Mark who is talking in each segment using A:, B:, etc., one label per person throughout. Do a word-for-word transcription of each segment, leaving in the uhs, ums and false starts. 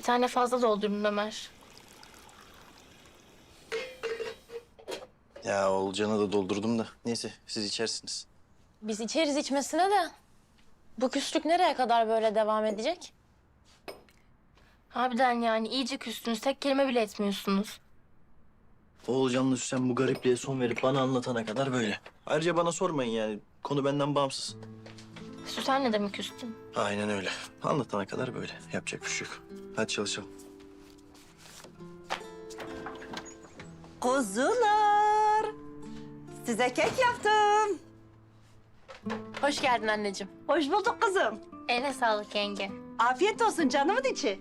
A: Bir tane fazla doldurun Ömer.
B: Ya Olcan'a da doldurdum da. Neyse siz içersiniz.
C: Biz içeriz içmesine de. Bu küslük nereye kadar böyle devam edecek?
A: Harbiden yani iyice küstünüz. Tek kelime bile etmiyorsunuz.
B: Oğulcan'la Süsen bu garipliğe son verip bana anlatana kadar böyle. Ayrıca bana sormayın yani. Konu benden bağımsız.
A: Süsen'le de mi küstün?
B: Aynen öyle. Anlatana kadar böyle. Yapacak bir şey yok. Hadi çalışalım.
D: Kuzular, size kek yaptım.
C: Hoş geldin anneciğim.
D: Hoş bulduk kızım.
A: Eline sağlık yenge.
D: Afiyet olsun canımın içi.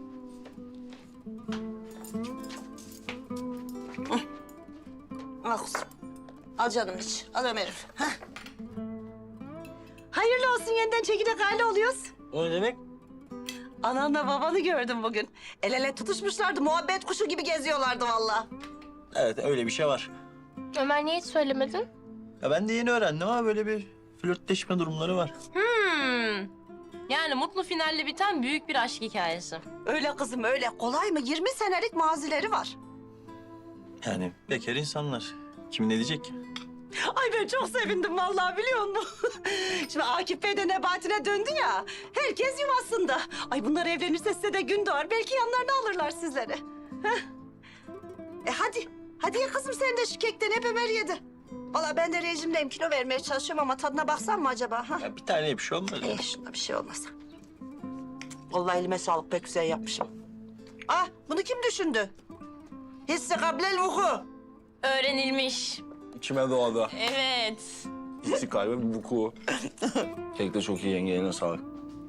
D: Hı. Al kuzum. Al canım iç. Al Ömer'im. Hah. Hayırlı olsun, yeniden çekirdek aile oluyoruz.
B: O ne demek?
D: Ananla babanı gördüm bugün. El ele tutuşmuşlardı, muhabbet kuşu gibi geziyorlardı vallahi.
B: Evet öyle bir şey var.
A: Ömer niye hiç söylemedin?
B: Ya ben de yeni öğrendim ama böyle bir flörtleşme durumları var.
C: Hmm. Yani mutlu finalle biten büyük bir aşk hikayesi.
D: Öyle kızım öyle. Kolay mı? yirmi senelik mazileri var.
B: Yani bekar insanlar. Kim ne diyecek ki?
D: Ay ben çok sevindim vallahi, biliyor musun? Şimdi Akif Bey de Nebati'ne döndü ya. Herkes yuvasında. Ay bunlar evlenirse size de gün doğar. Belki yanlarına alırlar sizleri. Heh. E hadi. Hadi ye kızım sen de şu kekten, hep Ömer yedi. Vallahi ben de rejimdeyim. Kilo vermeye çalışıyorum ama tadına baksam mı acaba? Ha?
B: Ya bir tane bir şey olmaz.
D: E şunda bir şey olmasa. Vallahi elime sağlık, pek güzel yapmışım. Ah bunu kim düşündü? Hissi kablel vuku.
C: Öğrenilmiş.
E: İçime doğdu.
C: Evet.
E: İstiklalime bir buku. Kek de çok iyi yenge, eline sağlık.